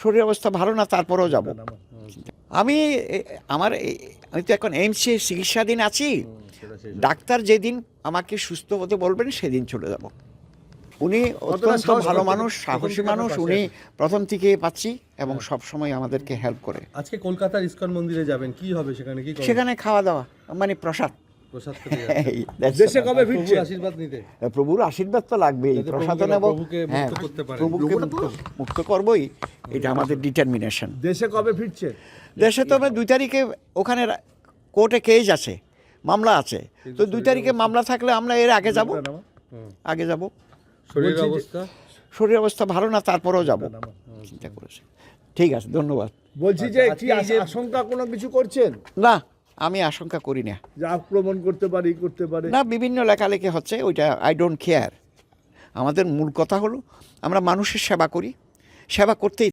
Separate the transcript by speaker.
Speaker 1: শরীর অবস্থা ভালো না, তারপরেও যাব। আমি আমি তো এখন এইমসে চিকিৎসাধীন আছি। ডাক্তার যেদিন আমাকে সুস্থ হতে বলবেন সেদিন চলে যাব। উনি অত্যন্ত ভালো মানুষ, সাহসী মানুষ। উনি প্রথম থেকে পাচ্ছি এবং সব সময় আমাদেরকে হেল্প করে।
Speaker 2: আজকে কলকাতার ইসকন মন্দিরে যাবেন, কি হবে সেখানে? কি করবেন?
Speaker 1: সেখানে খাওয়া দাওয়া মানে প্রসাদ।
Speaker 2: প্রসাদ খেতে যাবেন।
Speaker 1: এই, that's
Speaker 3: দেশে
Speaker 1: all.
Speaker 3: কবে
Speaker 2: প্রভুর
Speaker 3: ফিরছে?
Speaker 2: আশীর্বাদ নিতে,
Speaker 1: প্রভুর আশীর্বাদ তো লাগবেই,
Speaker 2: যাতে
Speaker 1: প্রসাদ
Speaker 2: প্রভুকে-
Speaker 1: নেব।
Speaker 2: প্রভুকে মুক্ত
Speaker 1: হ্যাঁ,
Speaker 2: করতে পারেন।
Speaker 1: প্রভুকে মুক্ত করবই, এটা আমাদের ডিটারমিনেশন।
Speaker 3: দেশে কবে ফিরছে?
Speaker 1: দেশে তো আমরা 2 তারিখে ওখানে কোর্টে কেস আছে, মামলা আছে। তো 2 তারিখে মামলা থাকলে আমরা এর আগে যাব। আগে যাব।
Speaker 2: শরীরের
Speaker 3: বলছি যে-
Speaker 2: অবস্থা
Speaker 1: শরীর অবস্থা ভালো না, তারপরেও যাব। চিন্তা করেছি। ঠিক আছে, ধন্যবাদ।
Speaker 3: বলছি যে
Speaker 2: আচ্ছা,
Speaker 3: কি
Speaker 2: আজকে এই যে-
Speaker 3: আশঙ্কা কোনো কিছু করছেন
Speaker 1: না, আমি আশঙ্কা করি না।
Speaker 3: যে আক্রমণ করতে পারে, করতে পারে?
Speaker 1: না, বিভিন্ন লেখালেখি হচ্ছে, ওইটা আই ডোন্ট কেয়ার। আমাদের মূল কথা হলো আমরা মানুষের সেবা করি, সেবা করতেই